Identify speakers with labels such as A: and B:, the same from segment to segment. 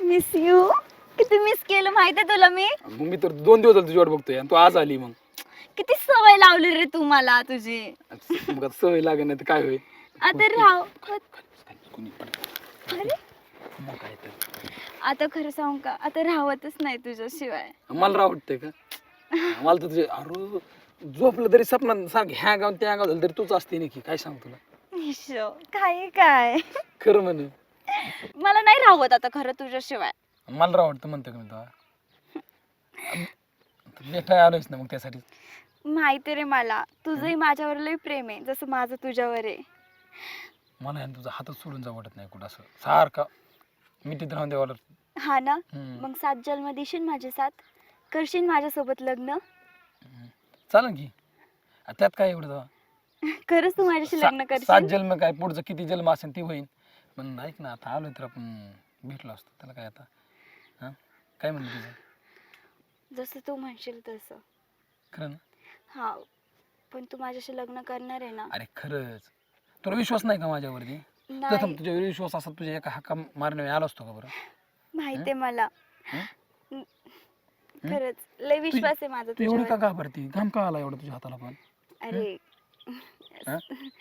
A: Miss you. किती miss केलं माहितीये तुला मी.
B: मग मी तर 2 दिवस झाले तुझी वाट बघतोय आणि तू आज आली. मग
A: किती सवय लावली रे तू मला तुझी.
B: मग आता सवय लागेल नाही तर काय होईल.
A: आता राव.
B: कोणी पण
A: अरे
B: मग काय तर
A: आता खरं सांगू का, आता राहतच नाही तुझ्याशिवाय.
B: मला राव वाटतंय का. मला तर तुझे अरे झोपलं तरी सपनात सांग ह्या गाव त्या गाव झालं तरी तूच असते नक्की. काय सांग तुला
A: ईशो, काय काय
B: खरं म्हणे.
A: मला नाही राहत आता खरं तुझ्याशिवाय.
B: मला राव वाटतं म्हणतो का मी तुला भेटायला आलोयच ना मग त्यासाठी.
A: माहिती रे मला तुझंही माझ्यावर लय प्रेम आहे जसं माझं तुझ्यावर आहे.
B: मला आहे ना तुझा हातच सोडून जाऊ वाटत नाही कुठं असं सारखा मिठीत राहून द्यावा.
A: हा ना. मग 7 जन्म देशील माझे साथ, करशील माझ्यासोबत लग्न.
B: चालेल की त्यात काय एवढं तेव्हा.
A: खरंच तू माझ्याशी लग्न
B: 7
A: करशील.
B: जन्म काय पुढचं किती जन्म असेल ती होईल. पण ऐक ना आता आलोय तर आपण भेटलो असतो त्याला काय आता. हां काय म्हणलं तुझं.
A: जसं तू म्हणशील तसं.
B: खरं ना.
A: हा पण तू माझ्याशी लग्न करणार आहे ना.
B: अरे खरंच तुला विश्वास नाही का माझ्यावरती.
A: नाही
B: प्रथम तुझ्यावर विश्वास असा तुझ्या एका हाका मारण्यावर आलो असतो का बरं.
A: माहितीये मला.
B: हं?
A: खरंच लय विश्वास आहे माझा
B: तू एवढं का
A: तुझ्यावर.
B: घाबरती. घाम का आला एवढं तुझ्या हाताला पण.
A: अरे
B: हां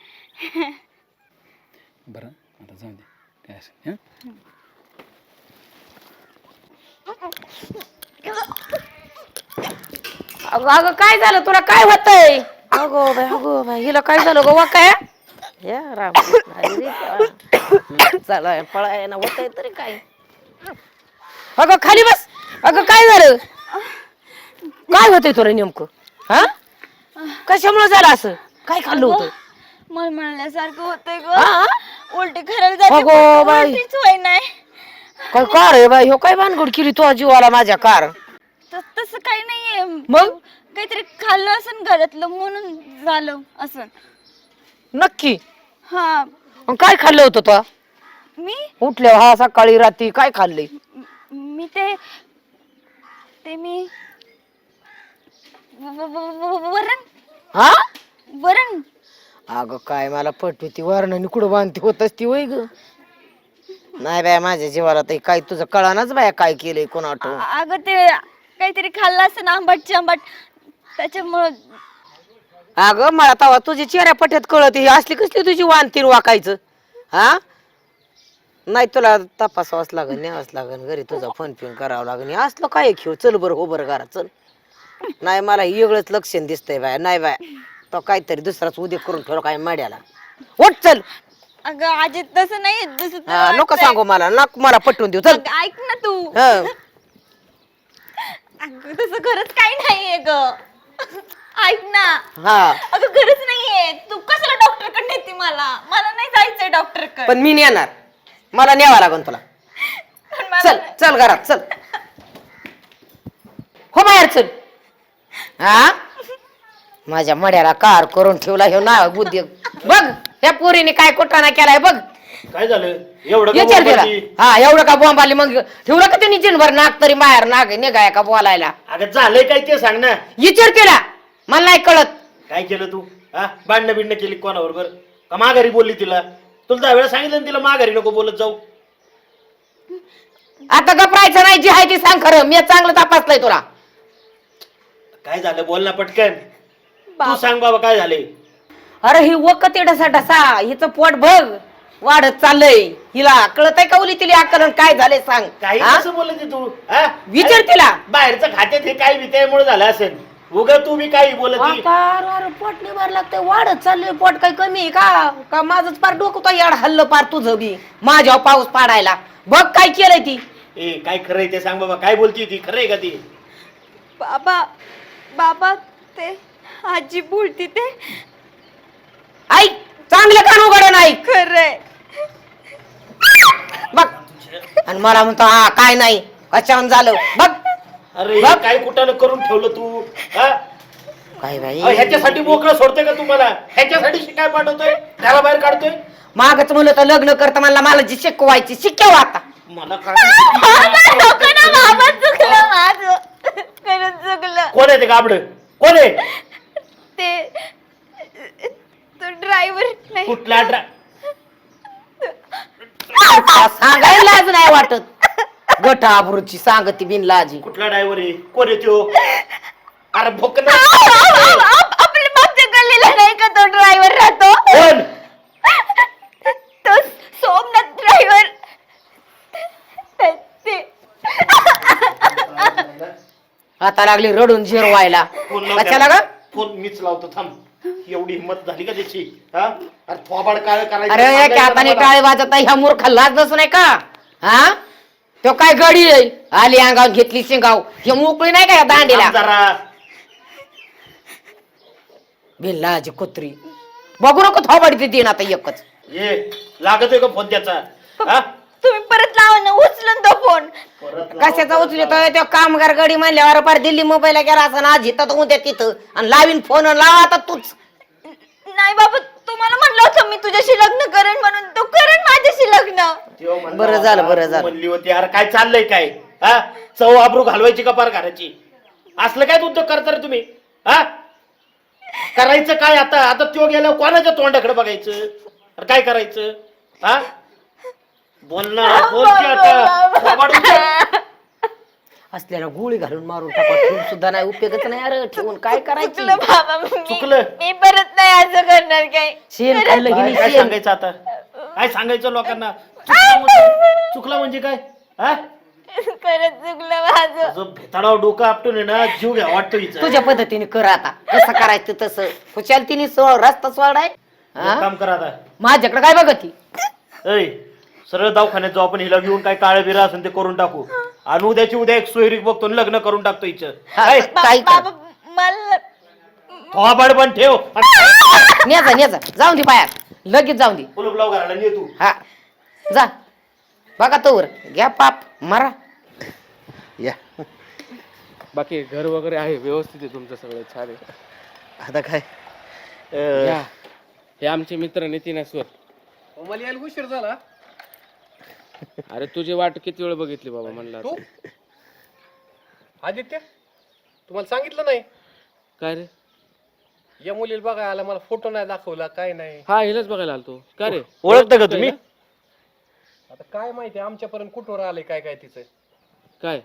B: बरं आता जाऊ दे काय असेल. हां
C: अगं अगं काय झालं तुला काय होतंय. अगो बाई हिला काय झालं गो काय या राम चला पळाय ना होतंय तरी काय. अगं खाली बस. अगं काय झालं काय होतंय तुला नेमकं. हा कशामुळे झालं असं काय खाल्लं होतं.
A: मला म्हणल्यासारखं होतंय
C: हा?
A: ग. उलटी खराब झाली.
C: अगो बाई.
A: उलटीच होय नाही.
C: काय कार आहे बाई हो काय भानगड केली तू जीवाला माझ्या कार.
A: तसं काही नाहीये.
C: मग
A: काहीतरी खाल्लं असं घरातलं म्हणून झालं असं.
C: नक्की
A: हा
C: मग काय खाल्लं होतं तू
A: मी
C: उठल्या हा सकाळी रात्री काय खाल्लंय.
A: मी ते ते मी वरण
C: हा
A: वरण.
C: अगं काय मला पटवती वरणाने कुठं बांधती होत असती वय ग. नाही बाय माझ्या जीवाला तर काय तुझं कळानाच बाया काय केलंय कोण आठव.
A: अगं ते काहीतरी खाल्लं असं ना आंबटची आंबट त्याच्यामुळं.
C: अगं मला तवा तुझी चेहऱ्या पट्यात कळत ही असली कसली तुझी वानतीन वाकायचं. हा नाही तुला तपासावंच लागेल न्यावंच लागेल घरी तुझा फोन पिन करावं लागेल. असलं काय खेळ चल बरं हो बरं घरात चल. नाही मला वेगळंच लक्षण दिसतंय बाय. नाही बाय तो काहीतरी दुसराच उद्या करून ठेवला काय माड्याला. उठ चल.
A: अगं आजी तसं नाही जसं तुला
C: हा नको
A: वाटतंय.
C: सांगू मला पटवून देऊ चल.
A: अगं, ऐक ना तू.
C: हं.
A: अगं तसं खरंच काही नाहीये ग. ऐक ना.
C: हा
A: अगं खरंच नाहीये. तू कशाला डॉक्टर कडे नेते मला. मला नाही जायचंय डॉक्टर कडे.
C: पण मी नेणार मला न्यावा लागेल तुला. चल चल घरात चल हो बाहेर चल. हा माझ्या मड्याला कार करून ठेवला हे ना उद्योग बघ. त्या पोरीने काय कोटाना केलाय बघ.
D: काय झालं एवढं का
C: विचार केला.
D: बोंबाची?
C: हा एवढं का बॉम्ब आली मग ठेवलं का त्यांनी जिनभर नाक तरी बाहेर नाक निघाय का बोलायला.
D: अगं झालंय काय ते सांग ना.
C: विचार केला मला नाही कळत.
D: काय केलं तू हा भांडणं बिंडणं केली कोणाबरोबर का माघारी बोलली तिला. तुला दहा वेळा सांगितलं ना तिला माघारी नको बोलत जाऊ.
C: आता गपरायचं नाही जी आहे ती सांग खरं. मी चांगलं तपासलंय तुला.
D: काय झालं बोल ना पटकन. तू सांग बाबा काय झाले.
C: अरे ही वकत येण्याचा डसा हिचं पोट बघ वाढत चाललंय. हिला कळत आहे का उली तिला अक्कल काय झालंय सांग.
D: काही
C: हा?
D: कसं बोलत तू हा
C: विचार तिला.
D: बाहेरचं खात्यात हे काही त्यामुळे झालं असेल. उगा तू मी काही बोलत नाही.
C: अरे पोट निभार लागतंय वाढत चाललंय. पोट काही कमी आहे का माझंच पार डोकं तो याड हल्लं पार तुझं बी माझ्यावर पाऊस पाडायला. बघ काय केलंय ती.
D: ए काय खरंय ते सांग बाबा काय बोलती ती खरंय का ती.
A: बाबा बाबा ते आजी बोलती ते
C: ऐक चांगलं कान उघड नाही
A: खरंय.
C: बघ आणि मला म्हणतो हा काय नाही कशावर झालं बघ.
D: अरे
C: बघ.
D: काय कुठानं करून ठेवलं तू हा
C: काय बाई
D: ह्याच्यासाठी मोकळं सोडतोय का तुम्हाला. ह्याच्यासाठी शिकाय पाठवतोय त्याला बाहेर काढतोय.
C: मागच म्हणलं तर लग्न करता मला जी शिकवायची शिकव आता.
D: मला काय
A: नको ना बाबा चुकलं माझं. खरंच चुकलं.
D: कोण आहे ते गाबड कोण आहे.
A: ते तो ड्रायव्हर नाही.
D: कुठला
C: सांगायला लाज नाही वाटत. गटा आबरूची सांगती बिनलाजी.
D: कुठला ड्रायव्हर आहे? कोण येतो? अरे भोक
A: आपल्या मागच्या गल्लीला नाही का तो ड्रायव्हर राहतो?
D: कोण?
A: तो सोमनाथ ड्रायव्हर.
C: आता लागली रडून जिरवायला.
D: फोन लाव
C: कशाला
D: त्याला.
C: ग?
D: फोन मीच लावतो थांब. एवढी हिंमत झाली का त्याची? हा? अरे थोबाड काय करायचं?
C: अरे
D: सांगायचं
C: त्या हाताने
D: मला.
C: टाळे वाजत ह्या मूर्ख लाज नसून आहे का? हा तो काय गडी आहे? आली अंगावर घेतली शिंगाव. हे मोकळी नाही का या दांडीला?
D: थांब जरा.
C: बिनलाजी कुत्री. बघू नको थोबाडी देईन आता एकच.
D: ये लागतोय का फोन त्याचा? हा?
A: तुम्ही परत लावा ना, उचलून तो फोन.
D: परत लाव.
C: कशाचा उचलतोय तो? कामगार गडी म्हणल्यावर पार दिल्ली मुंबईला गेला असं आज इथं तर उद्या तिथं आणि लावीन फोन लावा आता तूच.
A: नाही बाबा, तुम्हाला म्हणलं होतं मी तुझ्याशी लग्न करेन म्हणून. तो करेन माझ्याशी लग्न.
D: तेव्हा म्हणला
C: बरं झालं,
D: होता,
C: बरं
D: तू
C: झालं.
D: म्हणली होती यार काय चाललंय काय? हा? चव आबरू घालवायची का पार घराची? असलं काय उद्योग करता रे तुम्ही? हा? करायचं काय आता? आता तो गेल्यावर कोणाच्या तोंडाकडे बघायचं? अरे काय करायचं? हा? बोल ना, बोल की आता. थोबाड उचल.
C: असल्याला गोळी घालून मारून टाका. ठेवून सुद्धा नाही उपयोगच नाही. अरे ठेवून काय करायचं?
A: चुकलं बाबा,
D: चुकलं.
A: मी परत नाही असं करणार काय.
C: शेण खाल्लं की
D: काय
C: नाही
D: काय
C: शेण.
D: सांगायचं आता? काय सांगायचं लोकांना? चुकलं म्हणजे काय? हा?
A: खरंच चुकलं माझं.
D: जो भेताडाव डोकं आपटून आहे ना, जीव घ्या वाटतो हिचा.
C: तुझ्या पद्धतीने कर आता. कसं करायचं तसं. खुशाल तिने रस्ता सोडाय.
D: एक काम करा आता.
C: माझ्याकडे काय बघती?
D: ऐ सरळ दवाखान्यात जाऊ आपण. हिला घेऊन काय काळं बिरं असेल ते करून टाकू. आणि उद्याची उद्या एक सोयरीक बघतो आणि लग्न करून टाकतो हिचं.
C: हा, काय
A: बाबा मला
D: थोबाड पण ठेव.
C: नेजा जाऊन दे बाहेर. लगेच जाऊन दे.
D: कुलूप लाव घराला ने तू.
C: हा जा. बघा तोवर घ्या पाप मारा.
E: या
F: बाकी घर वगैरे आहे व्यवस्थित आहे तुमचं सगळं छान आहे.
E: आता काय
F: या. हे आमचे मित्र नितीनेश्वर.
B: मला यायला उशीर झाला.
F: अरे तुझी वाट किती वेळ बघितली बाबा म्हणला.
B: तू आदित्य, तुम्हाला सांगितलं नाही?
F: काय रे?
B: या मुलीला बघा आला, मला फोटो नाही दाखवला, काय नाही.
F: हा हिलाच बघायला आलतो. काय रे?
D: ओळखता का तुम्ही?
B: आता काय माहिती आमच्यापर्यंत कुठवर आले काय काय तिचं.
F: काय?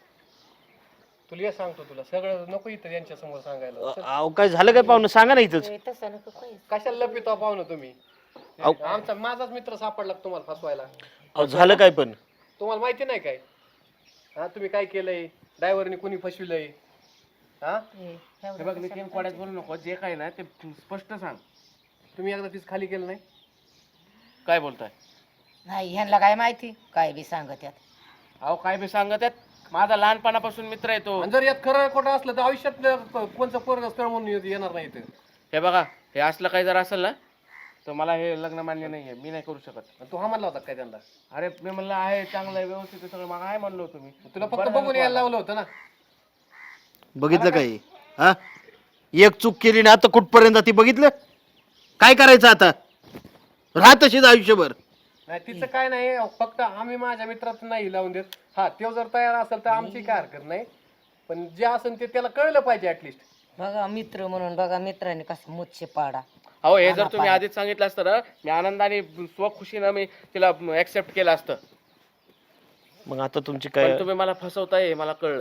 B: तुला हे सांगतो, तुला सगळं नको इथं यांच्या समोर सांगायला.
D: अहो काय झालं काय पाहुणं? सांगा ना इथंच.
B: कशाला लपितो पाहुणं तुम्ही? आमचा माझाच मित्र सापडला का तुम्हाला फसवायला?
D: अहो झालं काय पण?
B: तुम्हाला माहिती नाही काय? हा, तुम्ही काय केलंय? ड्रायव्हरने कुणी फसविलंय? हा,
F: हे बघ नितीन कोड्यात बोलू नको. जे काय ना ते स्पष्ट सांग.
B: तुम्ही एकदा तीच खाली केलं नाही?
F: काय बोलताय?
C: नाही ह्यांना काय माहिती काय बी सांगत यात.
F: अहो काय बी सांगत आहेत. माझा लहानपणापासून मित्र आहे तो.
B: आणि जर यात खरं खोटं असलं तर आयुष्यात कोणचं पोरग स्थळ म्हणून येणार नाही इथं.
F: हे बघा हे असलं काही जर असेल ना तर मला हे लग्न मान्य नाहीये. मी नाही करू शकत.
B: आणि तू हा म्हणला होता काय त्यांना?
F: अरे मी म्हणलं आहे चांगलं आहे व्यवस्थित आहे सगळं. मग आहे म्हणलो होतो मी.
B: तुला फक्त बघून यायला लावलं होतं ना.
E: बघितलं काय? हा एक चूक केली ना आता कुठपर्यंत ती बघितलं. काय करायचं आता? राहत तशीच आयुष्यभर.
B: नाही तिचं काय नाही, फक्त आम्ही माझ्या मित्रात नाही लावून देत. हा तो जर तयार असेल तर आमची काय हरकत नाही, पण जे असेल ते त्याला कळलं पाहिजे ऍटलिस्ट.
C: बघा मित्र म्हणून बघा मित्राने कसं मुच्छे पाडा.
F: अहो हे जर तुम्ही आधीच सांगितलं असतं ना मी आनंदाने स्वखुशीनं मी तिला ऍक्सेप्ट केलं असतं.
D: मग आता तुमची काय?
F: पण तुम्ही मला फसवताय हे मला कळलंय.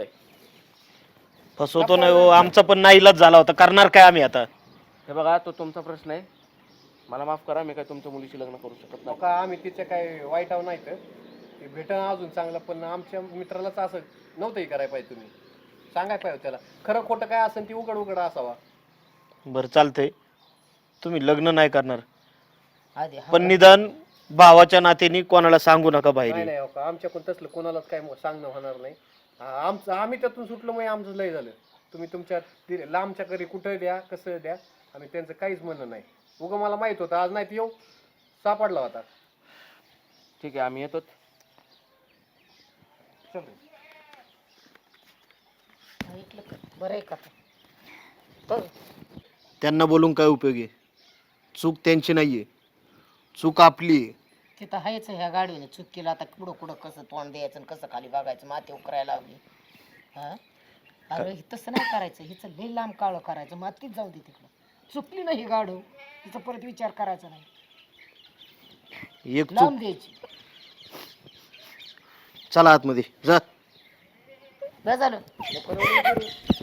D: फसवतो नाही हो, आमचा पण नाईलाज झाला होता. करणार काय आम्ही आता?
F: हे बघा तो तुमचा प्रश्न आहे. मला माफ करा मी काय तुमच्या मुलीशी लग्न करू शकत नाही.
B: का आम्ही तिचे काय वाईट आहो नाही तर ते भेटणं अजून चांगलं, पण आमच्या मित्रालाच असं नव्हतंही करायला पाहिजे. तुम्ही सांगायला पाहिजे त्याला खरं खोटं काय असेल ती उघड उघड असावा.
D: बरं चालतंय, तुम्ही लग्न नाही करणार
C: आधी
D: पण निदान भावाच्या नात्याने कोणाला सांगू नका
B: नाही
D: बाहेर.
B: नाही हो का, आमच्याकडून तसलं कोणालाच काय सांगणं होणार नाही. आमचं आम्ही त्यातून सुटलो मग आमचं लय झालं. तुम्ही तुमच्या लांबच्या घरी कुठं द्या कसं द्या, आम्ही त्यांचं काहीच म्हणणं नाही. उगं मला माहित होतं आज नाही तर येऊ सापडला होता.
F: ठीक आहे आम्ही येतो.
C: बरं आहे का? बघ
E: त्यांना बोलून काय उपयोग आहे? चूक त्यांची नाहीये, चूक आपली आहे.
C: तिथं आहेच ह्या गाडीने चूक केलं. आता कुठं कुठं कसं तोंड द्यायचं आणि कसं खाली बघायचं माती उकरायला लावली. हा अरे तसं नाही करायचं. हिचं लई लांब काळं करायचं. मातीच जाऊ दे तिकडं. चुकली नाही ही गाडव, तिचा परत विचार करायचा नाही.
E: एक चूक
C: लावून द्यायची.
E: चला आतमध्ये जा
C: बस झालं